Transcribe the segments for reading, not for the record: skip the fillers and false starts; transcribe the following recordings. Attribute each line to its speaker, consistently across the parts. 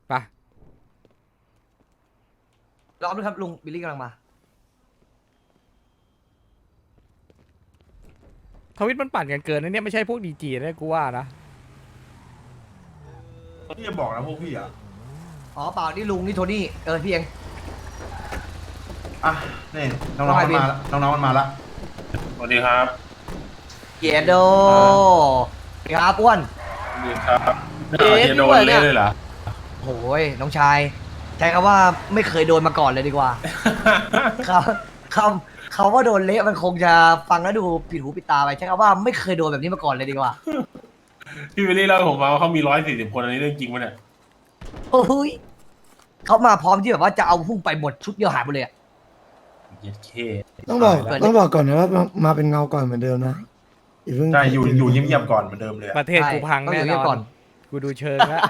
Speaker 1: ไป
Speaker 2: รอบนึงครับลุงบิลลี่กำลังมา
Speaker 1: ทวิตมันปั่นกันเกินนะเนี่ยไม่ใช่พวกดีจีนะกูว่านะ
Speaker 3: พี่จะบอกนะพวกพี่อ่ะ
Speaker 2: อ๋อเปล่านี่ลุงนี่โทนี่พี่เอง
Speaker 3: อ่ะนี่น้องๆมันมาละน้องๆมันมาละ
Speaker 4: สวัสดีครับ
Speaker 2: เยโดครับอ้วน
Speaker 4: สวัสดีครับ
Speaker 2: เอ๊ะ
Speaker 4: จะโดน
Speaker 2: พี่เบิร์ดเนี่
Speaker 4: เล่
Speaker 2: ย
Speaker 4: เลยเหรอ
Speaker 2: โอ้ยน้องชายใช้คำว่าไม่เคยโดนมาก่อนเลยดีกว่า คำว่าโดนเละมันคงจะฟังแล้วดูผิดหูผิดตาไปใช้คำว่าไม่เคยโดนแบบนี้มาก่อนเลยดีกว่า
Speaker 4: พี่วิลลี่เล่าให้ผมมาว่าเขามี140 คนอันนี้เรื่องจริงปะเนี่ย
Speaker 2: โอ้ยเขามาพร้อมที่แบบว่าจะเอาพุ่งไปหมดชุดเดียวหายหมดเลยอะ
Speaker 4: เย็ดเค
Speaker 5: ต้องบอก
Speaker 2: เปิดดิ
Speaker 5: ต้องบอกก่อนนะว่ามาเป็นเงาก่อนเหมือนเดิมนะอย่าเพิ่ง
Speaker 3: ใช่อยู่เงียบๆก่อนเหมือนเดิมเลยอะ
Speaker 1: ประเทศกูพัง
Speaker 2: ต้องอ
Speaker 1: แน่
Speaker 2: ยู่
Speaker 1: น
Speaker 2: เงียบ
Speaker 1: อ
Speaker 2: ก่อน น
Speaker 1: กูดูเชิงแล้ว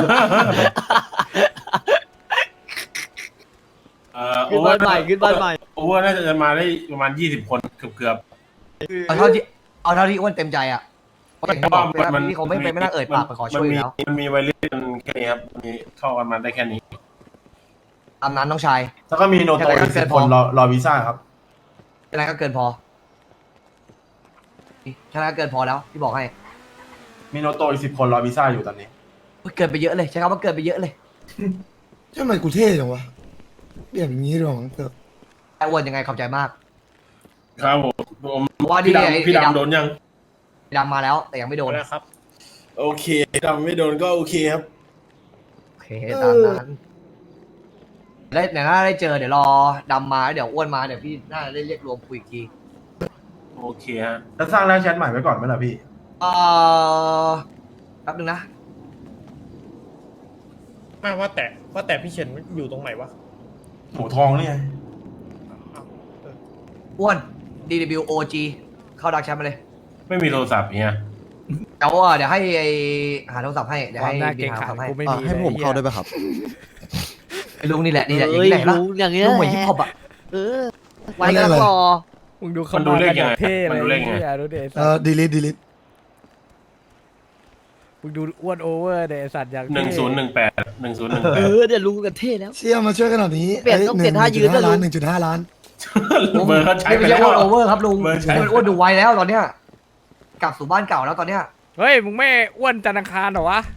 Speaker 4: โอเวอร์โอเวอร์น่าจะมาได้ประมาณ20 คนเกือบ
Speaker 2: เอาเท่าที่อ้วนเต็มใจอ่ะเพราะอย่างที่บอกไปแล้วพี่เขาไม่นั่งเอ่ยปากไปขอช่วยอยู่แล้ว
Speaker 4: มันมีวัยรุ่นแค่นี้ครับมีเข้ากันมาได้แค่นี้
Speaker 2: ตามนั้นน้องชาย
Speaker 3: แล้วก็มีโนโตอีก10 คนรอวีซ่าครับ
Speaker 2: แค่นั้นก็เกินพอแค่นั้นก็เกินพอแล้วที่บอกให้
Speaker 3: มีโนโตอีก10 คนรอวีซ่าอยู่ตอนนี้
Speaker 2: เกินไปเยอะเลยใช้คำว่าเกินไปเยอะเลย
Speaker 5: ทำไมกูเท่จังวะเปลี่ยนอย่างนี้ดีกว่ามั้งเถอะ
Speaker 2: ไอ้อ้วนยังไงขอบใจมาก
Speaker 4: ครับผม
Speaker 2: เพราะว่านี่
Speaker 4: พี่ดำโดนยัง
Speaker 2: ดำมาแล้วแต่ยังไม่โดน
Speaker 4: ครับ โอเคดำไม่โดนก็โอเคครับ
Speaker 2: โอเคตามนั้นได้เดี๋ยวน่าได้เจอเดี๋ยวรอดำมาเดี๋ยวอ้วนมาเดี๋ยวพี่น่าจะได้เรียกรวมคุยอีกที
Speaker 4: โอเคฮะ
Speaker 3: แล้วสร้างหน้าแชทใหม่ไว้ก่อนไหมล่ะพี่
Speaker 2: แป๊บนึงนะ
Speaker 6: ไม่ว่าแต่พี่เฉินอยู่ตรงไหนวะ
Speaker 3: หมูทองนี่ไง
Speaker 2: อ้วน DWOG เข้าดักแชมป์มาเลย
Speaker 4: ไม่มีโทรศัพท์เนี่ย
Speaker 2: เดี๋ยวให้หาโทรศัพท์ให้เดี๋ยว
Speaker 1: ควา
Speaker 2: ให้
Speaker 1: มน่า
Speaker 2: บิ
Speaker 1: เกร
Speaker 2: น
Speaker 1: ง
Speaker 2: หา
Speaker 1: ขา
Speaker 2: โทรศัพท์ให้
Speaker 1: กูไม่มี
Speaker 7: ให้ผมเข้าได้ไหมครับ
Speaker 2: ไอ้ลุงนี่แหละอย่างนี้แหละละ
Speaker 7: อย่างเงี้ย
Speaker 2: ลุงเหมือนฮิปฮอปอ่ะ
Speaker 7: ไว้กันรอ
Speaker 1: มึงดูเขามากันอย่างเท่เลยเนี่ยดูเดสัตว์
Speaker 5: ดีลิท
Speaker 1: มึงดูอ้วนโอเวอร์เดสัตว์อย่าง
Speaker 4: 1018
Speaker 7: เดี๋ยวรู้กันเท่แล้ว
Speaker 5: เชี่ยมาช่วยกันหน่อยนี้
Speaker 7: เปลี่ยนต้องเปลี่ยนท่ายืนด้วยลุง
Speaker 5: 1.5 ล้าน
Speaker 4: เบอร์เขาใช้
Speaker 2: นี่
Speaker 4: ไป
Speaker 2: ไม่
Speaker 4: แล้
Speaker 2: ใช่
Speaker 4: ว
Speaker 2: อ้วนโอเวอร์ครับลุง
Speaker 4: เบอร์ใช้
Speaker 2: นี่มันอ้วนดูไวแล้วตอนเนี้ยกลับสู่บ้านเก่าแล้วตอนเนี้ย
Speaker 1: เฮ้ยมึงไม่อ้วนจันทร์อังคารเหรอวะ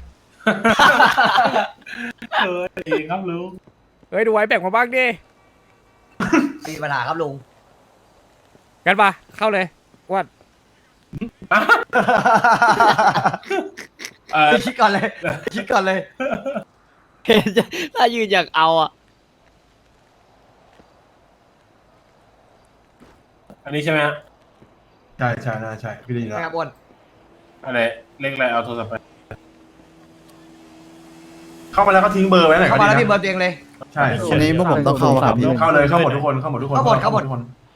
Speaker 4: ครับลุง
Speaker 1: เฮ้ยดูไว้แบ่งมาบ้างดิ
Speaker 2: มีปัญหาครับลุง
Speaker 1: กันปะเข้าเลยอ้วน
Speaker 2: คิดก่อนเลยคิดก่อนเลย
Speaker 7: ถ้ายืนอยากเอาอ่ะ
Speaker 4: อันนี้ใช่ไหมฮะ
Speaker 3: ใช่น่าใช่พี่ได้ยินแล้ว
Speaker 2: นะครับอ้วน
Speaker 4: อะไรเลขอะไรเอาโทรศัพท์ไป
Speaker 3: เข้ามาแล้วก็ทิ้งเบอร์ไว้หน่อย
Speaker 2: เข้า
Speaker 3: ก็
Speaker 2: มา
Speaker 3: ดี
Speaker 2: แล้ว
Speaker 3: นะ
Speaker 2: พี่เบอร์ตัวเองเลย
Speaker 3: ใช่
Speaker 7: วันนี้พวกผมต้องเข้าครับพี่
Speaker 3: เข้าเลยเข้าหมดทุกคนเข้าหมดทุกคน
Speaker 2: เข้าหมด
Speaker 3: ทุกคน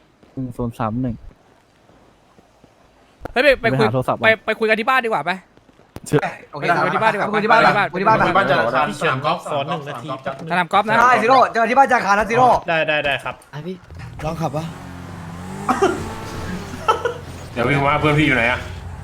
Speaker 7: 031
Speaker 1: เฮ้ยไปคุยไปคุยกันที่บ้านดีกว่าไป
Speaker 2: โอเค
Speaker 1: คุยที่บ้านดีกว่า
Speaker 2: คุยที่บ้าน
Speaker 1: คุยที่บ้าน
Speaker 2: คุยที่บ้าน
Speaker 3: บ้านจันทร์อังคาร
Speaker 6: พี่เฉินขอ1 นาที
Speaker 1: สนามกอล์ฟนะ
Speaker 2: ได้ซิโร่เจอที่บ้านจาคานะซิโร่
Speaker 6: ได้ครับ
Speaker 7: พี่
Speaker 5: ลองขับปะ
Speaker 4: เดี๋ยวพี่ว่าเพื่อนพี่อยู่ไหนอะ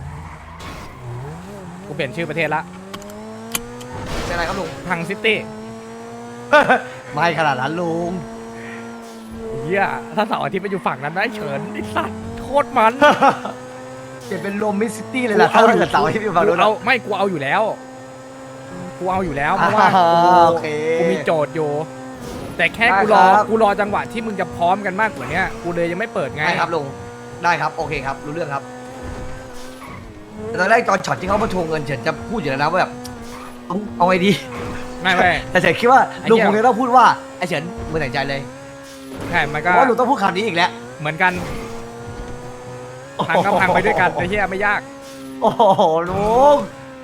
Speaker 1: กูเปลี่ยนชื่อประเทศละ
Speaker 2: เป็นอะไรครับลุง
Speaker 1: พังซิตี้
Speaker 2: ไม่ขนาดนั้นลุง
Speaker 1: เฮียถ้าเสาร์อาทิตย์ไปอยู่ฝั่งนั้นได้เฉินไอ้สัตว์โคตรมัน
Speaker 2: เปลี่ยนเป็นโรมมิสซิตี้เลยล่ะถ้าเกิดเสาร์ที่พี่ฟังดู
Speaker 1: เอาไม่กูเอาอยู่แล้วเพราะว่า
Speaker 2: โอเค
Speaker 1: กูมีโจทย์อยู่ แต่แค่
Speaker 2: ได้
Speaker 1: กูรอจังหวะที่มึงจะพร้อมกันมากกว่านี้กูเลยยังไม่เปิดไง
Speaker 2: ได้ครับลุงได้ครับโอเคครับรู้เรื่องครับแต่ตอนแรกตอนช็อตที่เขามาทวงเงินเฉินจะพูดอยู่แล้วนะว่าแบบเอาไงดี
Speaker 1: ไม่
Speaker 2: แต่เฉินคิดว่า
Speaker 1: ไอ้
Speaker 2: ลุง
Speaker 1: เหี้ย
Speaker 2: คงจะต้องพูดว่าไอ้เฉินมือแต่งใจเลย
Speaker 1: ใช่มัน
Speaker 2: เพ
Speaker 1: ก็
Speaker 2: ราะว่าลุงต้องพูดคำนี้อีกแล้ว
Speaker 1: เหมือนกันพังก็พังไปด้วยกันไอ้เหี้ยไม่ยาก
Speaker 2: โอ้โหลุง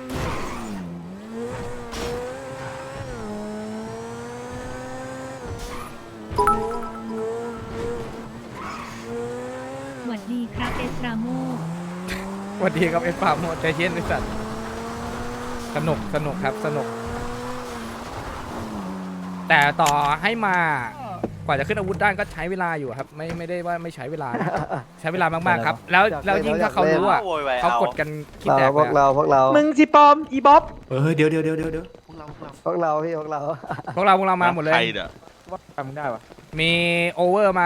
Speaker 8: สวัสดีครับเอสราโม
Speaker 1: สวัสดีครับเอฟฟาร์มใจเย็นไอ้สัตว์สนุกครับสนุก แต่ต่อให้มากว่าจะขึ้นอาวุธได้ก็ใช้เวลาอยู่ครับไม่ได้ว่าไม่ใช้เวลานะใช้เวลามากๆครับ แล้วยิ่งถ้าเขารู้อ่ะเขากดกันคิดแตก
Speaker 7: พวกเรา
Speaker 6: มึงสิปอมอีบ๊อบ
Speaker 3: เดี๋ยว
Speaker 9: พวกเราพี่พวกเรา
Speaker 1: พวกเรามาหมดเลย
Speaker 9: ทำได้ปะ
Speaker 1: มีโอเวอร์มา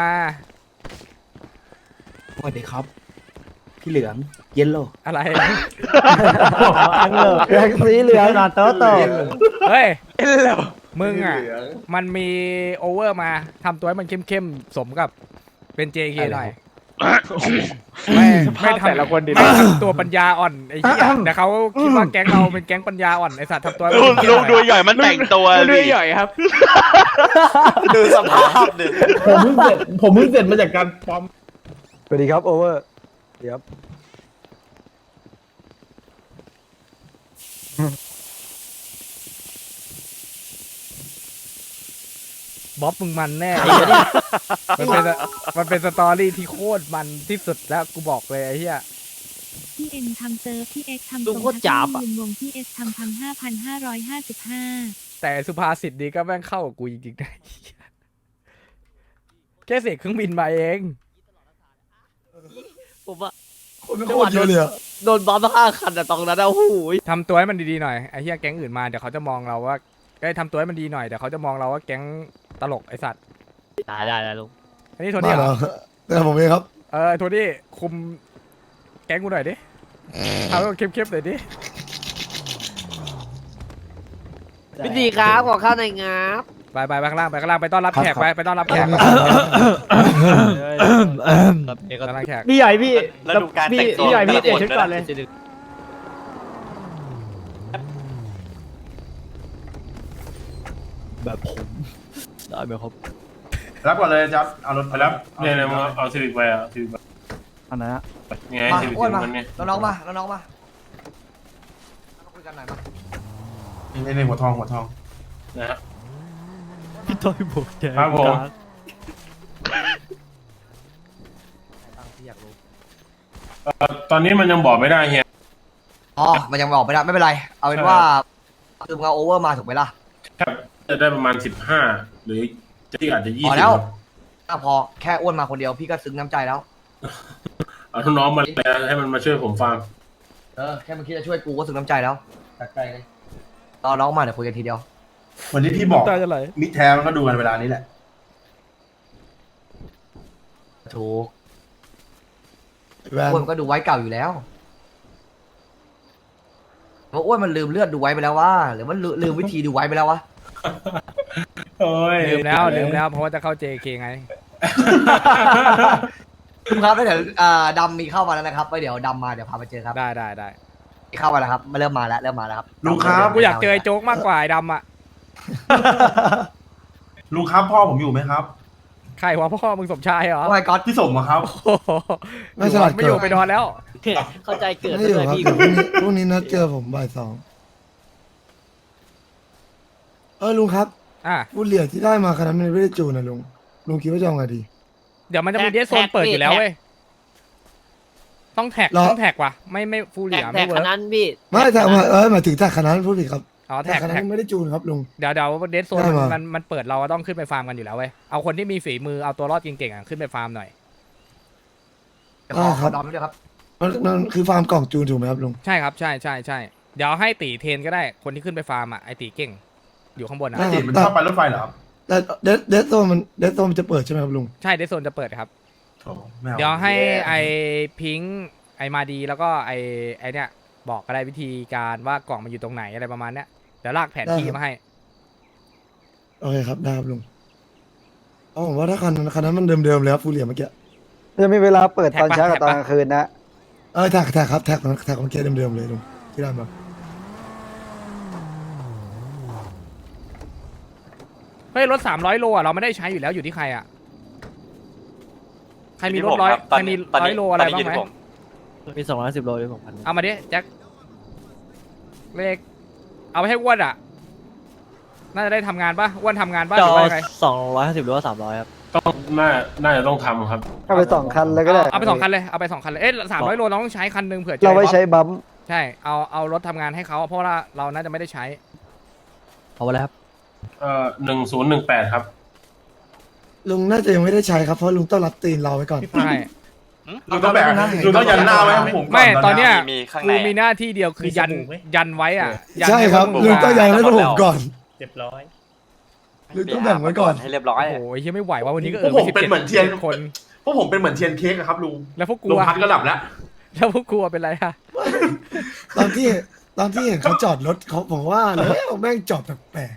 Speaker 9: สวัสดีครับ พี่เหลืองเยลโล่
Speaker 1: อะไร
Speaker 9: อังเหลืองสีเหลืองนอนโต๊ะโต
Speaker 1: เฮ้ยมึงอ่ะมันมีโอเวอร์มาทำตัวให้มันเข้มๆสมกับเป็น JK หน่อยไม่ทำแต่ละคนไม่ทำตัวปัญญาอ่อนไอ้เหี้ยแต่เขาคิดว่าแก๊งเราเป็นแก๊งปัญญาอ่อนไอ้สัตว์ทำตัวให้มันเข้มๆหน่อย
Speaker 10: ดูใหญ่มันแต่งตัวดูใหญ่ครับ ดูสภาพดิ
Speaker 6: ผมเพิ่งเสร็จมาจากการปลอม
Speaker 9: สวัสดีครับโอเวอร์เดี๋ยว
Speaker 1: บ๊อบมึงมันแน่มันเป็นสตอรี่ที่โคตรมันที่สุดแล้วกูบอกเลยไอ้เหี้ย
Speaker 8: พี่เอ็นทำเซิร์ฟพี่เอ็กทำ
Speaker 7: ลุงโคตรจ๋าบอะ
Speaker 8: ยืนวงพี่เอสทำ5,555
Speaker 1: แต่สุภาษิตนี้ก็แม่งเข้ากับกูจริงๆนะแค่เสียเครื่องบินมาเอง
Speaker 7: ผมว่า
Speaker 5: คนไม่โคตรเยอะเลยอะ
Speaker 7: โดนบัม5 คันอะตรงนั้นอะโอ้โห
Speaker 1: ทำตัวให้มันดีๆหน่อยไอ้เหี้ยแก๊งอื่นมาเดี๋ยวเขาจะมองเราว่าได้ทำตัวให้มันดีหน่อยเดี๋ยวเขาจะมองเราว่าแก๊งตลกไอสัตว์
Speaker 7: ได้ลุง
Speaker 1: อันนี้โท
Speaker 5: มา
Speaker 1: นี่เหร
Speaker 5: แล้
Speaker 1: อ
Speaker 5: วแต่ผมเองครับ
Speaker 1: โทนี่คุมแก๊งกูหน่อยดิเอาเข้มๆหน่อยดิ
Speaker 7: พี่ดีครับขอข้าวหน่อยงับ
Speaker 1: ไปข้างล่างไปต้อนรับแขกไปต้อนรับแขกต้อนรับแขก
Speaker 9: พี่ใหญ่พี่
Speaker 10: แล้วดูการแต่งตัว
Speaker 9: พี่ใหญ่พี่
Speaker 10: แต่
Speaker 9: เตะ
Speaker 10: ละคน
Speaker 9: ชุดก่อนเลย
Speaker 7: แบบผมได้ไหมครับ
Speaker 3: รับก่อนเลยจับเอารถ
Speaker 4: ไปแล้วเนี่ยมึงเอาซีวิกไปอ่ะซีวิก
Speaker 9: อันนั้นอะ
Speaker 4: ไง
Speaker 2: มา
Speaker 4: ซีวิก
Speaker 2: อ้วนมา
Speaker 4: มันเนี่ย
Speaker 2: น้องๆมาน้องๆมาคุยกันหน่อยมา
Speaker 3: นี่หัวทอง
Speaker 4: นะฮะ
Speaker 7: พี่ต้อยบอกแก
Speaker 4: ครับผม ตอนนี้มันยังบอกไม่ได้เฮีย
Speaker 2: อ๋อมันยังบอกไม่ได้ไม่เป็นไรเอาเป็นว่าคือมึงเอาโอเวอร์มาถูกไหมล่ะ
Speaker 4: จะได้ประมาณ15หรือที่อาจจะ20
Speaker 2: พอแล้ว ถ้าพอแค่อ้วนมาคนเดียวพี่ก็ซึ้งน้ำใจแล้ว
Speaker 4: เอาน้องๆมาแล้วให้มันมาช่วยผมฟัง
Speaker 2: แค่มึงคิดจะช่วยกูก็ซึ้งน้ำใจแล้วจากใจเลยรอน้องมาเดี๋ยวคุยกันทีเดียว
Speaker 3: วันที่พี่บอก
Speaker 1: ตาจะไหล
Speaker 3: มิตรแท้มันก็ดูกันเวลานี้แหละ
Speaker 2: ถูก
Speaker 5: แวน
Speaker 2: อ้วนก็ดูไว้เก่าอยู่แล้วเพราะอ้วนมันลืมเลือดดูไว้ไปแล้วว่าหรือมันลืมวิธีดูไว้ไปแล้ววะ
Speaker 4: โอ้ย
Speaker 1: ลืมแล้วเพราะว่าจะเข้า JK ไง
Speaker 2: ครับแล้วเดี๋ยวดำมีเข้ามาแล้วนะครับไว้เดี๋ยวดำมาเดี๋ยวพาไปเจอครับ
Speaker 1: ได้
Speaker 2: เข้ามาแล้วครับเริ่มมาแล้วครับ
Speaker 3: ลุงครับ
Speaker 1: กูอยากเจอไอ้โจ๊กมากกว่าไอ้ดำอ่ะ
Speaker 3: ลุงครับพ่อผมอยู่ไหมครับ
Speaker 1: ใครวะพ่อมึงสมชายเหรอ
Speaker 2: โอ้ยก๊อต
Speaker 3: พี่สมอะครับ
Speaker 1: โอ้โห
Speaker 5: ไม่ฉลาด
Speaker 1: ไม่
Speaker 5: เกิ
Speaker 1: อยู่
Speaker 5: น
Speaker 1: ไปนอนแล้ว
Speaker 7: เข้าใจเกิด
Speaker 5: ไม่
Speaker 7: เล
Speaker 5: อยู่
Speaker 7: ย
Speaker 5: ครับ
Speaker 7: พี่
Speaker 5: เดี๋ยวพรุ่งนี้นัดเจอผมบ่าย 2ลุงครับ
Speaker 1: อ่ะ
Speaker 5: ผู้เหรียญที่ได้มาขนาดนั้นไม่ได้จูนนะลุงคิดว่าจะเอาไงดี
Speaker 1: เดี๋ยวมันจะมีเดสโซนเปิดอยู่แล้วเว้ยต้องแท็ก
Speaker 5: เหรอ
Speaker 1: ต้องแท็กว่ะไม่ฟูลเหลีย
Speaker 7: แท็
Speaker 1: ไม่
Speaker 7: ก
Speaker 1: เวิ
Speaker 7: ข
Speaker 1: ร์ก
Speaker 7: นาดพี่
Speaker 5: ไม่แต่หมายถึงแต่ขนาดนั้นพูดผิดครับ
Speaker 1: อ๋อ
Speaker 5: แต่
Speaker 1: แท็ก
Speaker 5: ขนาด
Speaker 1: แท็ก
Speaker 5: นั้นไม่ได้จูนครับลุง
Speaker 1: เดี๋ยวเดสโซน
Speaker 5: ได้มา
Speaker 1: มันเปิดเราก็ต้องขึ้นไปฟาร์มกันอยู่แล้วเว้ยเอาคนที่มีฝีมือเอาตัวรอดเก่งๆอ่ะขึ้นไปฟาร์มหน่อย
Speaker 2: ขอดอมด้วยครับ
Speaker 5: มันคือฟาร์มกล่องจูนถูกไหมครับลุง
Speaker 1: ใช่ครับใช่เดี๋ยวให้ตีเทรนก็ได้คนที่ขึ้นไปฟาร์มอ่ะไอตีเก่ง อยู่ข้างบนนะ
Speaker 5: ได้
Speaker 3: ติดมันชอบไปรถไฟเหรอครับ
Speaker 5: แต่เดสโซมันจะเปิดใช่ไหมครับลุง
Speaker 1: ใช่เดสโซนจะเปิดครับ
Speaker 3: โถไม่อา
Speaker 1: เดี๋ยวให้ไอพิงค์ไอมาดีแล้วก็ไอเนี่ยบอกก็ได้วิธีการว่ากล่องมันอยู่ตรงไหนอะไรประมาณเนี้ยเดี๋ยวลากแผนที่มาให้
Speaker 5: โอเคครับได้ครับลุงเอาผมว่าถ้าคันนั้นมันเดิมๆเลยครับฟูเหรียญเมื่อกี้
Speaker 9: จะมีเวลาเปิดตอนเช้ากับตอนกลางคืนนะ
Speaker 5: แท็กครับแท็กเมื่อกี้เดิมๆเลยลุงที่ได้มา
Speaker 1: เฮ้ยรถ300 โลอ่ะเราไม่ได้ใช้อยู่แล้วอยู่ที่ใครอ่ะใครมีรถใครมี100 โลอะไรบ้างไหม
Speaker 7: มี210 โลด้วยผมพัน
Speaker 1: เอามาดิแจ็คเลขเอาไปให้อ้วนอ่ะน่าจะได้ทำงานป่ะอ้วนทำงานป่ะห
Speaker 7: จ
Speaker 1: รือ
Speaker 7: อ
Speaker 1: ว่ายังไง
Speaker 7: 250หรือว่า300ครับ
Speaker 4: ต้องน่าจะต้องทำครับ
Speaker 9: เอาไป2 คันเลยก็ได้
Speaker 1: เอาไป2 คันเลยเอาไป2 คันเลย300 โลเราต้องใช้คันหนึงเผื่อเจอ
Speaker 9: เราไว้ใช้บัมป์
Speaker 1: ใช่เอารถทำงานให้เขาเพราะว่าเราน่าจะไม่ได้ใช้
Speaker 7: เอาไปแล้วครับ
Speaker 4: 1018ครับ
Speaker 5: ลุงน่าจะยังไม่ได้ใช้ครับเพราะลุงต้องรับตีนเราไว้ก่อน
Speaker 1: ใช่
Speaker 3: ลุงต้องแบกลุงต้องยันหน้าไว้ให้ผมก่
Speaker 1: ไม่ตอนเนี้ย
Speaker 10: มีข้าง
Speaker 1: กู
Speaker 10: ใน
Speaker 1: มีหน้าที่เดียวคือยันไว้อ่ะยัน
Speaker 5: ใช่ครับ
Speaker 1: ห้พวก
Speaker 5: ลุ
Speaker 1: มึ
Speaker 5: งต้องยังให้พวกผมก่อน
Speaker 6: เรียบร้อย
Speaker 5: ลุงต้องแบ่งไว้ก่อน
Speaker 10: ให้เรียบร้อย
Speaker 1: โอ้โหยังไม่ไหวว่าวันนี้ก็
Speaker 3: พวกผมเป็นเหมือนเทียน
Speaker 1: คน
Speaker 3: พวกผมเป็นเหมือนเทียนเค้กอะครับลุง
Speaker 1: แล้วพวกกู
Speaker 3: ลุง
Speaker 1: อะ
Speaker 3: พัดก็หลับแล้ว
Speaker 1: แล้วพวกกูอะเป็นไรอะ
Speaker 5: ตอนที่เห็นเขาจอดรถเขาผมว่าแล้วแม่งจอดแปลก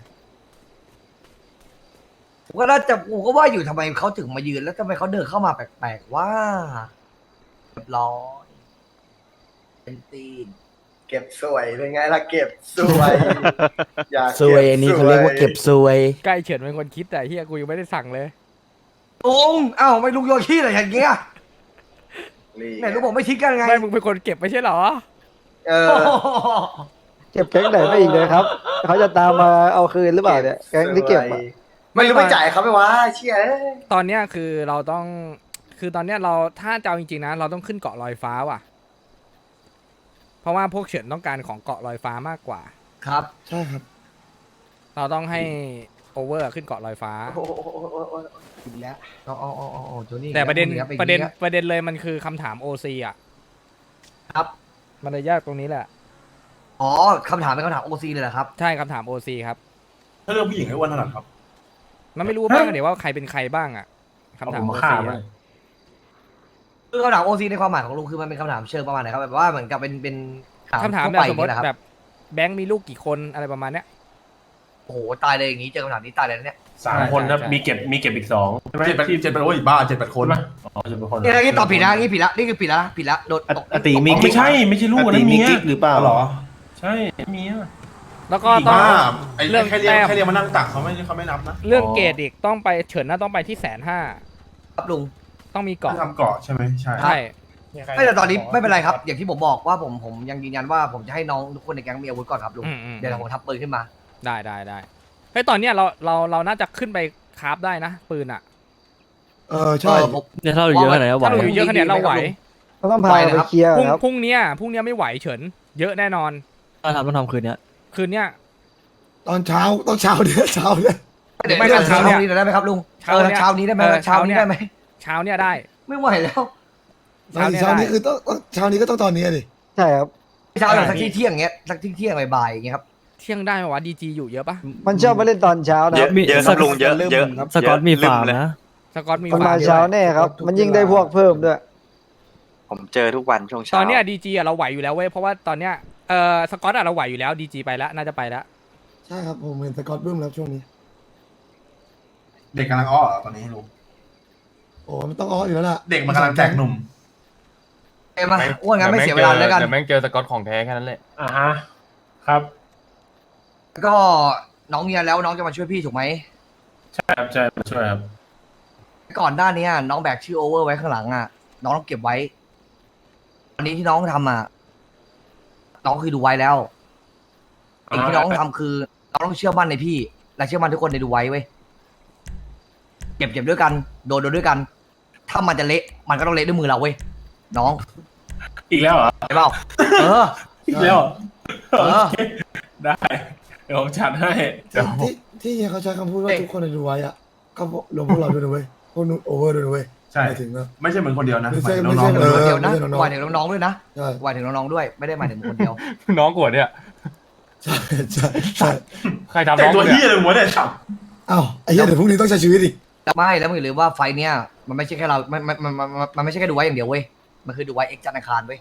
Speaker 2: ผมก็น่าจะผมก็ว่าอยู่ทำไมเขาถึงมายืนแล้วทำไมเขาเดินเข้ามาแปลกๆว่าเรียบร้อยเป็นตีน
Speaker 9: เก็บสวยเป็นไงล่ะเก็บสวย อยาก
Speaker 7: ซวยอันนี้เขาเรียกว่าเก็บซวย
Speaker 1: ใกล้เฉินเป็นคนคิดแต่เฮียกูยังไม่ได้สั่งเลย
Speaker 2: ลุงเอ้าไม่ลุงโยนขี้อะไรอย่างเงี้ยไหนลุงบอกไม่ทิ้งกันไง
Speaker 1: ไม่มึงเป็นคนเก็บไม่ใช่เหรอ
Speaker 9: เออเก็บแก๊งไหนไปอีกเลยครับเขาจะตามมาเอาคืนหรือเปล่าเนี่ยแก๊งที่เก็บอะไม่รู้ไม่จ่ายเขาไหมวะเชี่ย
Speaker 1: ตอนเนี้ยคือเราต้องคือตอนเนี้ยเราถ้าจะเอาจริงๆนะเราต้องขึ้นเกาะลอยฟ้าว่ะ เพราะว่าพวกเฉินต้องการของเกาะลอยฟ้ามากกว่า
Speaker 2: ครับ
Speaker 5: ๆใช่ครับ
Speaker 1: เราต้องให้โอเวอร์ขึ้นเกาะลอยฟ้า
Speaker 2: อีกแล้วอ๋อโจนี่
Speaker 1: แต่ประเด็น
Speaker 2: อีกแล้ว
Speaker 1: ประเด็นเลยมันคือคำถามโอซีอ่ะ
Speaker 2: ครับ
Speaker 1: มันเลยยากตรงนี้แหละ
Speaker 2: อ๋อคำถามเป็นคำถามโอซีเลยเหรอครับ
Speaker 1: ใช่คำถามโอซีครับ
Speaker 3: ถ้าเรื่องผู้หญิงให้อ้วนถนัดครับ
Speaker 1: มันไม่รู้บ้างเดี๋ยวว่าใครเป็นใครบ้างอ่ะคำถาม
Speaker 3: เอาผม
Speaker 1: โอ
Speaker 3: มาฆ่า
Speaker 1: ซี
Speaker 3: มัน
Speaker 2: คือคำถามโอซีในความหมายของลุงคือมันเป็นคำถามเชิงประมาณไหนครับแบบว่าเหมือนกับเป็น
Speaker 1: คำถาม
Speaker 2: ทั่ว
Speaker 1: แบบ
Speaker 2: ไป
Speaker 1: สมมติ
Speaker 2: อย่างเงี้ยเหรอครับ
Speaker 1: แบบแบงค์มีลูกกี่คนอะไรประมาณเนี้ย
Speaker 2: โอ้โหตายเลยอย่างงี้เจอคำถามนี้ตายเลยนะเนี่ย
Speaker 4: 3 คนนะ
Speaker 1: ใช่
Speaker 4: มีเก็บอีก2ใช่ไหม
Speaker 3: 7-8โอ้ยบ้า7-8 คน
Speaker 4: ใช่ไหมอ๋อ7-8 คน
Speaker 2: นี่ตอบผิดนะนี่ผิดละนี่คือผิดละผิดละโดนตก
Speaker 3: อติมี
Speaker 4: อ๋อไม่ใช่ลูกนะเมีย
Speaker 3: หรือเปล่าหรอ
Speaker 4: ใช่เมีย
Speaker 1: แล้วก็ต้อง
Speaker 3: บ้าไอ้
Speaker 1: เรื่อง
Speaker 3: แค่เรียก
Speaker 1: แต้ม
Speaker 3: แค่เรียกมานั่งตักเขาไม่นับนะ
Speaker 1: เรื่องเกรดอีกต้องไปเฉินน่าต้องไปที่150,000
Speaker 2: ครับลุง
Speaker 1: ต้องมีเกาะ
Speaker 3: ทำเกาะใช่ไหมใช่
Speaker 1: ใช่
Speaker 2: ไม่แต่ตอนนี้ไม่เป็นไรครับ อย่างที่ผมบอกว่าผมยังยืนยันว่าผมจะให้น้องทุกคนในแก๊งมีอาวุธก่อนครับลุง
Speaker 1: อืม
Speaker 2: เดี๋ยวผมทับปืนขึ้นมา
Speaker 1: ได้เฮ้ยตอนเนี้ยเราน่าจะขึ้นไปคราฟได้นะปืนอ่ะ
Speaker 5: ใช่
Speaker 2: ผม
Speaker 7: เนี่ยถ้าเราเยอะขนาดนี้ไหว
Speaker 1: ถ้าเราอยู่เยอะขนาดนี้เราไหว
Speaker 9: ต้องพาไปเคลียร์ครับ
Speaker 1: พรุ่งเนี้ยไม่ไหวเฉิน เยอะแน่นอน
Speaker 7: ต้องทำคืนเนี้ย
Speaker 1: คืนเนี้ย
Speaker 5: ตอนเช้าต้องเช้าเนี่ย
Speaker 2: เดี๋ยว
Speaker 1: ไม่
Speaker 2: เช้า
Speaker 1: เช้าเนี่ย
Speaker 2: นี้ได้ไหมครับลุง
Speaker 1: เช้าเนี่ย
Speaker 2: เช้านี้ได้ไหม
Speaker 1: เออ
Speaker 2: เช้านี้ได้ไหม
Speaker 1: เช้าเนี้ยได้
Speaker 2: ไม่ไหวแล้ว
Speaker 1: เช้าเนี้ย
Speaker 5: เช้า
Speaker 1: ได้
Speaker 5: นี้คือต้องเช้านี้ก็ต้องตอนนี้ดิ
Speaker 9: ใช่ครับ
Speaker 2: เช้าแบบสักเที่ยงเงี้ยสักเที่ยงบ่ายๆอย่างเงี้ยครับ
Speaker 1: เที่ยงได้ไหมวะดีจีอยู่เยอะปะ
Speaker 9: มันชอบมาเล่นตอนเช้านะ
Speaker 10: เย
Speaker 9: ค
Speaker 10: อะ
Speaker 9: รับ
Speaker 10: เยอะครับลุงเยอะเยอะ
Speaker 7: สกอตมีฟาร์ม
Speaker 10: เลย
Speaker 7: นะ
Speaker 1: สกอตมี
Speaker 9: มัน
Speaker 1: ฟา
Speaker 9: มา
Speaker 1: ร์ม
Speaker 9: เช้าแน่ครับ มันยิ่งได้พวกเพิ่มด้วย
Speaker 10: ผมเจอทุกวันช่วงเช้า
Speaker 1: ตอนเนี้ยดีจีเราไหวอยู่แล้วเว้ยเพราะว่าตอนเนี้ยสกอตเราไหวอยู่แล้วดีจีไปแล้วน่าจะไปแล้ว
Speaker 5: ใช่ครับผมเห็นสกอตบึ้มแล้วช่วงนี้
Speaker 3: เด็กกำลังอ้อเหรอตอนนี้ลุง
Speaker 5: โอ้มันต้องอ้ออยู่แล้วล่ะ
Speaker 3: เด็กมันกำลังแตกหนุ่ม
Speaker 2: เอ้ยมาอ้วนงั้นไม่เสียเวลาแล้วกัน
Speaker 6: แต่แม่งเจอสกอตของแท้แค่นั้นแหละ
Speaker 4: อ่าฮะครับ
Speaker 2: ก็น้องเมียแล้วน้องจะมาช่วยพี่ถูกไหม
Speaker 4: ใช่ครับใช่มาช่วยครับ
Speaker 2: ก่อนหน้านี้น้องแบกชื่อโอเวอร์ไว้ข้างหลังน้องต้องเก็บไว้อันนี้ที่น้องทำน้องคือดูไว้แล้วสิ่งที่น้องทำคือน้องต้องเชื่อมั่นในพี่และเชื่อมั่นทุกคนในดูไว้เว้ยเก็บด้วยกันโดนด้วยกัน ถ้ามันจะเละมันก็ต้องเละด้วยมือเราเว้ยน้อง
Speaker 4: อีกแล้วเหรอ
Speaker 2: ใช่เปล่าเออ
Speaker 4: อีกแล้วเหรอ
Speaker 2: เออ
Speaker 4: โอเคได้เดี๋ยวผมจัดให้เดี๋ยว
Speaker 5: ที่เขาใช้คำพูดว่าทุกคนในดูไว้อะก็รวมพวกเราด้วยนะเว้ยพวกนู้นโอเวอร์ด้วยนะเว้ย
Speaker 3: ใช่
Speaker 5: หมายถึงนะ
Speaker 3: ไม่ใช่เหมือนคนเดียวนะ
Speaker 5: ไม่ใช่
Speaker 3: หมายถึงน้องๆ
Speaker 5: ไม่ใช่
Speaker 3: ด้วย
Speaker 2: เดี๋ยวนะ
Speaker 5: ไม่ใช่น้องๆ
Speaker 2: หมายถึงน้องๆด้วยนะ
Speaker 5: ใช่
Speaker 2: หมายถึงน้องๆด้วยไม่ได้หมายถึงคนเดียว
Speaker 6: น้องกวดเนี่ย
Speaker 5: ใช่
Speaker 6: ใครทำ
Speaker 3: แต่
Speaker 6: น้อง
Speaker 3: ตัว
Speaker 6: เนี่
Speaker 3: ที่
Speaker 6: ย
Speaker 3: เลยหัวเนี่ยฉับ
Speaker 5: อ้าวไอ้เหี้ยเดี๋ยวพรุ่งนี้ต้องใช้ชีวิตอีก
Speaker 2: ไม่แล้วมึงอย่าลืมว่าไฟเนี้ยมันไม่ใช่แค่เรามันไม่ใช่แค่ดูไว้อย่างเดียวเว้ยมันคือดูไว้เอ็กซ์จันทร์อังคารเว้ย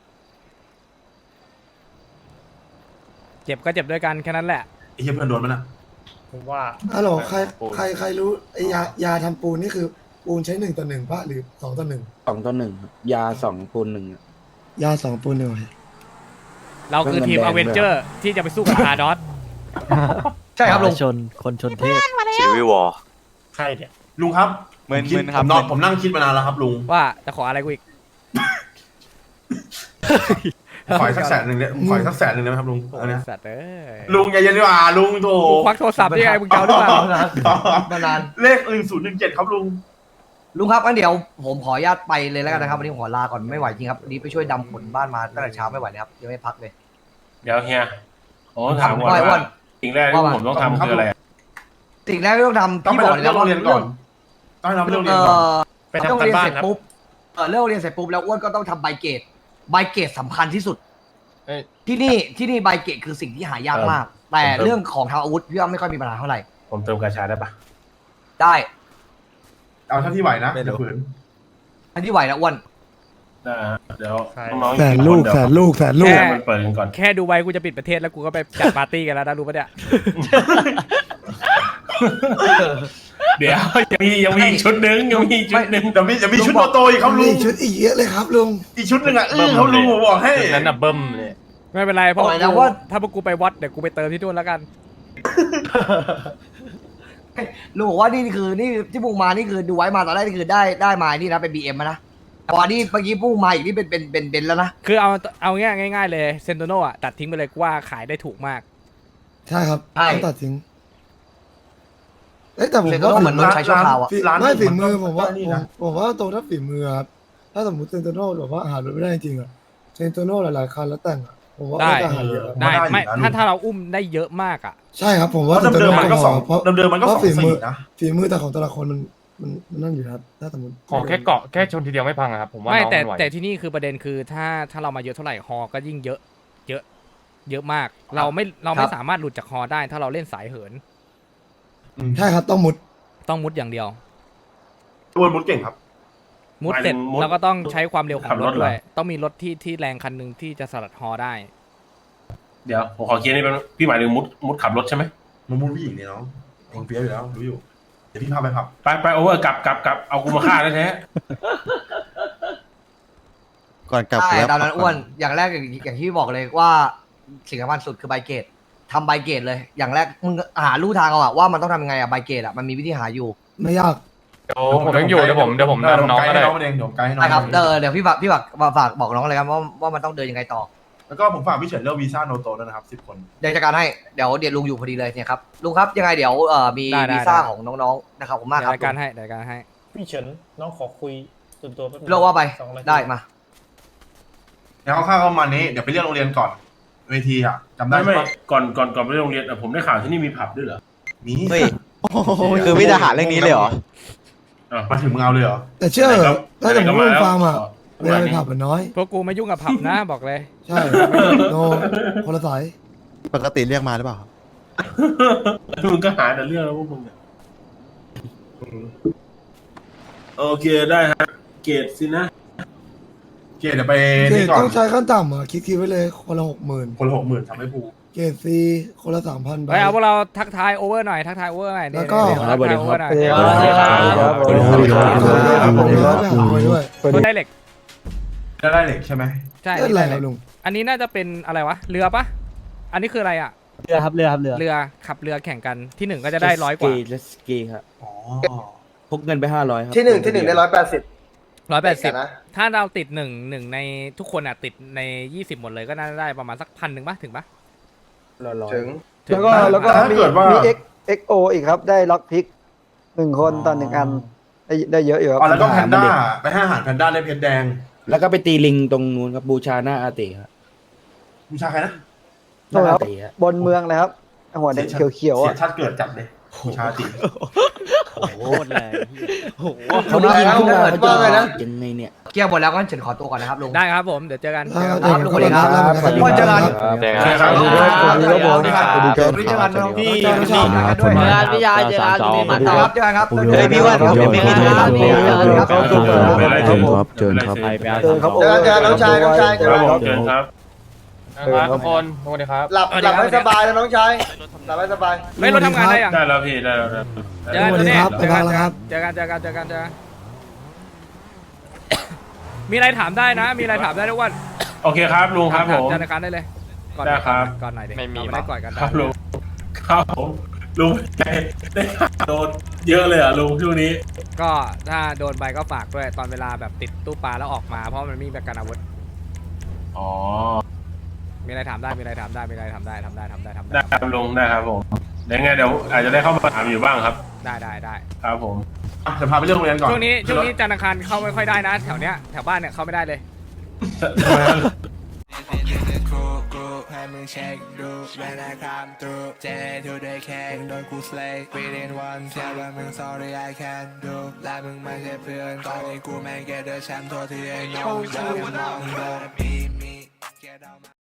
Speaker 1: เจ็บก็เจ็บด้วยกันแค่นั้นแหละ
Speaker 3: ไอ้เหี้ยเพื่อนโดนมันอ่ะ
Speaker 6: ผมว่า
Speaker 5: ฮัลโหลใครรู้ไอ้ยาทำปูนนี่คือปูนใช้1:1ป่ะหรือ2:1
Speaker 9: 2-1 ยา2 ปูน 1
Speaker 5: ยา2ปูน1
Speaker 1: เราคือทีมอเวนเจอร์ที่จะไปสู้กับฮาร์ดอส
Speaker 2: ใช่ครับลุง
Speaker 7: คนชนเทพ
Speaker 10: ชีวิวอร์
Speaker 6: ใครเนี่ย
Speaker 3: ลุงครับ
Speaker 10: มึน
Speaker 3: คิด
Speaker 10: ๆครับ
Speaker 3: ผมนั่งคิดมานานแล้วครับลุง
Speaker 1: ว่าจะขออะไรกูอีก
Speaker 3: ขออีกสัก100,000เนี่ยขออีกสัก100,000ได้ไหมครับลุงอันเนี้ย
Speaker 1: สัตว์เอ้ย
Speaker 3: ลุงอย่าเย็นดีกว่าลุงโถ
Speaker 1: กูควักโทรศัพท์ได้ไงมึงจะเอาหรือเปล่า
Speaker 2: มานาน
Speaker 3: เลข1017ครับลุง
Speaker 2: ลุงครับงั้นเดี๋ยวผมขออนุญาตไปเลยแล้วกันนะครับวันนี้ผมขอลาก่อนไม่ไหวจริงครับวันนี้ไปช่วยดำขนบ้านมาตั้งแต่เช้าไม่ไหวเลยครับยังไม่พักเลย
Speaker 4: เดี๋ยวเฮียโอ้ถามก่อน
Speaker 2: ว่า
Speaker 4: ว่าสิ่งแรกที่ผมต้องทำคืออะไรอะ
Speaker 2: สิ่งแรกที่ต้องทำ
Speaker 3: ต้อง
Speaker 2: พี่
Speaker 3: ไป
Speaker 2: บอกเลย
Speaker 3: เรื่
Speaker 2: นะ
Speaker 3: องโรงเรียนก่อนต้องให้เราไปโรงเรียนก่อน
Speaker 6: ไป
Speaker 2: ต้อง
Speaker 6: ทำกัน
Speaker 2: เรียน
Speaker 6: บ้า
Speaker 2: เส
Speaker 6: น
Speaker 2: ร็จ
Speaker 6: ครับ
Speaker 2: ปุ๊บเลิกเรียนเสร็จปุ๊บแล้วอ้วนก็ต้องทำใบเกรดสำคัญที่สุด
Speaker 6: เอ้ย
Speaker 2: ที่นี่ใบเกรดคือสิ่งที่หายากมาก แต่เรื่องของทางอาวุธพี่ว่าไม่ค่อยมีปัญหาเท่าไหร่
Speaker 4: ผมเติมกาชาได้ปะ
Speaker 2: ได้
Speaker 3: เอาเท่าที่ไหวนะอย่าฝืน
Speaker 2: อันที่ไหวนะอ้วน
Speaker 4: ได้ฮะเดี๋ยวน้องๆ
Speaker 5: แสนลูก
Speaker 4: เดี๋ยว
Speaker 5: แสนลูกแสนลูก
Speaker 4: ให้มันเปิดกันก่อน
Speaker 1: แค่ดูไว้กูจะปิดประเทศแล้วกูก็ไปจัดปาร์ตี้กันแล้วนะรู้ปะเนี่ย
Speaker 4: เดี๋ยวยังมีอีกชุดหนึงยังมีอีกชุดหนึง
Speaker 3: เดี๋ยวมีชุดโตๆอีกครับลุ
Speaker 5: มี
Speaker 3: ง
Speaker 5: ชุดอีกเยอะเลยครับลุง
Speaker 3: อีกชุดหนึ่งอ่ะเขาลุงผมบอกให้
Speaker 6: ชุดนั้นน่ะเบิ้มเลย
Speaker 1: ไม่เป็นไรเพราะ
Speaker 2: บอกเลยนะ
Speaker 1: กู
Speaker 2: ว่า
Speaker 1: ถ้าพวกกูไปวัดเดี๋ยวกูไปเติมที่นู่นแล้วกัน
Speaker 2: ลุงบอกว่านี่ที่พุ่งมานี่คือดูไว้มาตอนแรกนี่คือได้มานี่นะเป็น BM นะพอนี่เมื่อกี้พุ่งมาอีกนี่เป็นแล้วนะ
Speaker 1: คือเอาง่ายๆเลยเซนโตโนอ่ะตัดทิ้งไปเลยกูว่าขายได้ถูกมาก
Speaker 5: ใช่ครับ
Speaker 2: ใช่
Speaker 5: ต้องตัดทิ้งเอ้ยแต่ผม
Speaker 2: เซนโตโน่
Speaker 5: ว่า
Speaker 2: เหมือนรถใช้ชั่วคราวอะ
Speaker 5: ฝี
Speaker 3: ร้าน
Speaker 5: ไม่ฝีมือ
Speaker 3: หนึ่ง
Speaker 5: ผมว่า
Speaker 3: นี่นะ
Speaker 5: ผมว่าตรงถ้าฝีมือครับถ้าสมมติเซนโตโน่แบบว่าหารถไม่ได้จริงๆอะเซนโตโน่หลายๆคันแล้วแต่งอะผมว่า
Speaker 1: ได้
Speaker 5: ก็จะหาเยอะครับ
Speaker 1: ได้
Speaker 3: ได้อยู่
Speaker 1: ไม่
Speaker 3: นะลุง
Speaker 1: ถ้าเราอุ้มได้เยอะมากอ่ะ
Speaker 5: ใช่ครับผม
Speaker 3: เพ
Speaker 5: ว่า
Speaker 3: ราะเดิมๆมันก็สอง
Speaker 5: เพราะ
Speaker 3: เดิมๆมันก็
Speaker 5: เพ
Speaker 3: สอ
Speaker 5: ราะ
Speaker 3: ง
Speaker 5: ฝีมื
Speaker 3: สี่
Speaker 5: อ
Speaker 3: นะ
Speaker 5: ฝีมือแต่ของแต่ละคนมันนั่นอยู่ครับถ้าสมมติ
Speaker 6: ขอแค่เกาะแค่ชนทีเดียวไม่พังอะครับผมว่า
Speaker 1: ไม่
Speaker 6: น้อง
Speaker 1: แต่
Speaker 6: มันไหว
Speaker 1: แต่ที่นี่คือประเด็นคือถ้าเรามาเยอะเท่าไหร่ฮอก็ยิ่งเยอะมาก เราไม่สามารถหลุดจากฮอได้ ถ้าเราเล่นสายเหิน
Speaker 5: ใช่ครับต้องมุด
Speaker 1: ต้องมุดอย่างเดียว
Speaker 3: อ้วนมุดเก่งครับ
Speaker 1: มุดเสร็จ
Speaker 4: หมายถึงมุด
Speaker 1: เราก็ต้องใช้ความเร็วขอ
Speaker 4: ขั
Speaker 1: ง
Speaker 4: บ
Speaker 1: ร
Speaker 4: ร
Speaker 1: ถ
Speaker 4: ถเหรอ
Speaker 1: ด้วย ต้องมีรถที่แรงคันหนึ่งที่จะสลัดฮอได้
Speaker 4: เดี๋ยวผมขอเคลียร์นี่เป็นพี่หมายถึงมุดขับรถใช่ไหม
Speaker 3: มันมุดผู้หญิงเนี่ยน้องเองเฟี้ยวอยู่แล้วรู้อยู่เดี๋ยวพี่พาไปผับ
Speaker 4: ไปโอเวอร์กลับเอากูมาฆ่าแท้
Speaker 9: ก่อนกลับ
Speaker 2: ใช่
Speaker 9: แล้ว
Speaker 2: ตอนนั้นอ้วนอย่างแรกอย่างที่บอกเลยว่าสิ่งสำคัญสุดคือใบเกรดทำใบเกรดเลย อย่างแรกมึงหาลู่ทางเอาอะว่ามันต้องทำยังไงอะใบเกรดอะมันมีวิธีหาอยู่
Speaker 5: ไม่ยาก
Speaker 6: เดี๋ยวผมยังอยู่เดี๋ยวผมนำน้องก็ได้
Speaker 3: น้องเองเดี๋ยวไกด์ให้น้อง
Speaker 2: นะครับเดี๋ยวพี่ฝากบอกน้องเลยครับว่ามันต้องเดินยังไงต่อ
Speaker 3: แล้วก็ผมฝากพี่เฉินเรื่องวีซ่าโนโตด้วยนะครับ10 คน
Speaker 2: เดี๋ยวจัดการให้เดี๋ยวลุงอยู่พอดีเลยเนี่ยครับลุงครับยังไงเดี๋ยวมี
Speaker 1: ได้
Speaker 2: วีซ่า
Speaker 1: ได้
Speaker 2: ของน้องๆนะครับผมมาก
Speaker 1: เดี๋
Speaker 2: ค
Speaker 1: ยว
Speaker 2: รับ
Speaker 1: รายการให้เดี๋ยวรายการให้
Speaker 6: พี่เฉินน้องขอคุยส่วนตัวแป๊บนึง
Speaker 2: โลกว่าไป
Speaker 6: 2 นาที
Speaker 2: ได้มา
Speaker 3: แล้วข้าวๆประมาณนี้เดี๋ยวไปเรียกโรงเรียนก่อนเวทีอ่ะจำ
Speaker 4: ๆ
Speaker 3: ได้
Speaker 4: ไม่
Speaker 3: ใช่ปะ
Speaker 4: ก่อนไปโรงเรียนผมได้ข่าวที่นี่มีผับด้วยเหรอ
Speaker 3: มี
Speaker 9: เฮ้ยคือพี่จะหาเรื่องนี้เลยเหรอ
Speaker 3: มาถึงมึงเอาเลยเหรอ
Speaker 5: แต่เชื่อเหรอถ้าสมมติว่าฟาร์มอะ
Speaker 4: เว
Speaker 5: เวลาไปผับมันน้อย
Speaker 1: พวกกูไม่ยุ่งกับผับนะ บอกเลย
Speaker 5: ใช่โนคนละสาย
Speaker 9: ปกติเรียกมาหรือเปล่าครับ
Speaker 4: มึงก็หาแต่เรื่องแล้วพวกมึงเนี่ยโอเคได้ฮะเกรดสินะ
Speaker 3: เกรดเดี๋ยวไป
Speaker 5: เกร
Speaker 3: นี่
Speaker 5: ด
Speaker 3: ก่อน
Speaker 5: ต้องใช้ขั้นต่ำอ่ะคิดไว้เลยคนละ60,000
Speaker 3: คนละ60,000ทำให้ภู
Speaker 5: เกรดซีคนละ3,000
Speaker 1: ไปเอาพวกเราทักทายโอเวอร์หน่อยทักทายโอเวอร์หน่อย
Speaker 5: แล้วก็
Speaker 1: ทักทายโอเวอร์หน่อย
Speaker 5: ผมมีร้านไปหาคุยด้วย
Speaker 1: รถได้เหล็ก
Speaker 3: ได้เหล็กใช่ไหม
Speaker 1: ใช่
Speaker 5: เล่นอะไรครับลุง
Speaker 1: อันนี้น่าจะเป็นอะไรวะเรือปะอันนี้คืออะไรอ่ะ
Speaker 7: เรือครับเรือ
Speaker 1: เรือขับเรือแข่งกันที่หนึ่งก็จะได้100 กว่า
Speaker 9: เจสกีครับ
Speaker 3: อ๋อ
Speaker 9: พกเงินไป500ครับ
Speaker 2: ที่หนึ่งได้180
Speaker 1: 180ถ้าเราติดหนึ่งในทุกคนอ่ะติดใน20หมดเลยก็น่าจะได้ประมาณสัก1,000ปะถึงปะ
Speaker 2: ถึง
Speaker 9: แล้วก็
Speaker 3: ถ้าเกิดว่า
Speaker 9: มี XO อีกครับได้ล็อกพิก1 คนต่อ1 อันได้เยอะอยู่ครับ
Speaker 3: อ๋อแล้วก็แพนด้าไปให้อาหารแพนด้าได้เพชรแดง
Speaker 9: แล้วก็ไปตีลิงตรงนู้นครับบูชาหน้าอาติครับ
Speaker 3: บูชาใครนะ
Speaker 9: หน้าอาติครับบนเมืองเลยครับหัวแดงเขียวๆ
Speaker 3: เสี
Speaker 9: อ่ะ
Speaker 3: ยชาติเกิดจัดเลยบูชาติ
Speaker 7: โคตรเลยโอ้โห
Speaker 9: เขาได้ยินขึ้นมา
Speaker 2: ว่า
Speaker 9: เขา
Speaker 2: ไง
Speaker 9: จะ
Speaker 2: นะ
Speaker 9: ยังไงเนี่ย
Speaker 2: เกี่ยวหมดแล้วก็เฉินขอตัวก่อนนะครับลุง
Speaker 1: ได้ครับผมเดี๋ยวเจอกัน
Speaker 5: ครับ
Speaker 1: เจอกัน
Speaker 2: ลุงสวัสดีครับ
Speaker 5: วันเจอกัน
Speaker 6: เจอกัน
Speaker 3: ใช่ครับ
Speaker 2: สวัสดีครับสวัสดีครับ
Speaker 5: สวัสดีครับ
Speaker 2: สวัสดีครับพี่
Speaker 7: เจอกันพี่ยาเจอกันพี่หมัด
Speaker 2: ค
Speaker 7: ต่อ
Speaker 2: รับเจอกันครับ
Speaker 9: เฮ้ยพี่ว่าเดี๋ยว
Speaker 7: ไม่มีทางพี่เจอกันครับ
Speaker 4: เชิญครับ
Speaker 9: เจอครับ
Speaker 7: เจอครับ
Speaker 9: เจอกันน้องชาย
Speaker 4: ครับผมเชิญครับ
Speaker 6: ครับทุกคนสวัสดีครับ
Speaker 2: หลับให้สบายนะน้องชายหลับให้สบาย
Speaker 1: ไม่รถทำงานได้ยัง
Speaker 4: ได้แล้วพี่ได้แล้ว
Speaker 1: เจอกัน
Speaker 5: สวัสดีครับ
Speaker 1: เจอกัน
Speaker 5: บ๊ายบายครับ
Speaker 1: เจอกันมีอะไรถามได้นะ มีอะไรถามได้ทุกวัน
Speaker 4: โอเคครับลุงครับผม
Speaker 1: ธนาคารได้เลยก่อน
Speaker 4: ได้ครับ
Speaker 1: ก่อนหน่อยดิ
Speaker 6: ไม่มี
Speaker 1: เราไม่ได้ก่อนกัน
Speaker 4: ครับลุงครับผมลุงได้โดนเยอะเลยอ่ะลุงช่วงนี้
Speaker 1: ก็ถ้าโดนใบก็ฝากด้วยตอนเวลาแบบติดตู้ปลาแล้วออกมาเพราะมันมีประกันอาวุธ
Speaker 4: อ๋อ
Speaker 1: มีอะไรถามได้ทำได้
Speaker 4: ได้ครับลุงได้ครับผมเดี๋ยวไงเดี๋ยวอาจจะได้เข้ามาถามอยู่บ้างครับ
Speaker 1: ได้
Speaker 4: ครับผม
Speaker 3: จะพาไปเรื่องโรงเรียนก่อน
Speaker 1: ช่วงนี้จันทร์อังคารเข้าไม่ค่อยได้นะแถวเนี้ยแถวบ้านเนี่ยเข้าไม่ได้เลย
Speaker 11: มึงเช็คดูแม่นาคามตรูเจทูได้แค่โดนกูสเลย์ within one เชื่อว่ามึง sorry I can't do และมึงไม่ใช่เพื่อนตอนนี้กูแม่งแกเดอร์แชมป์ตัวที่ไอ้น้องเดินมองโดนมี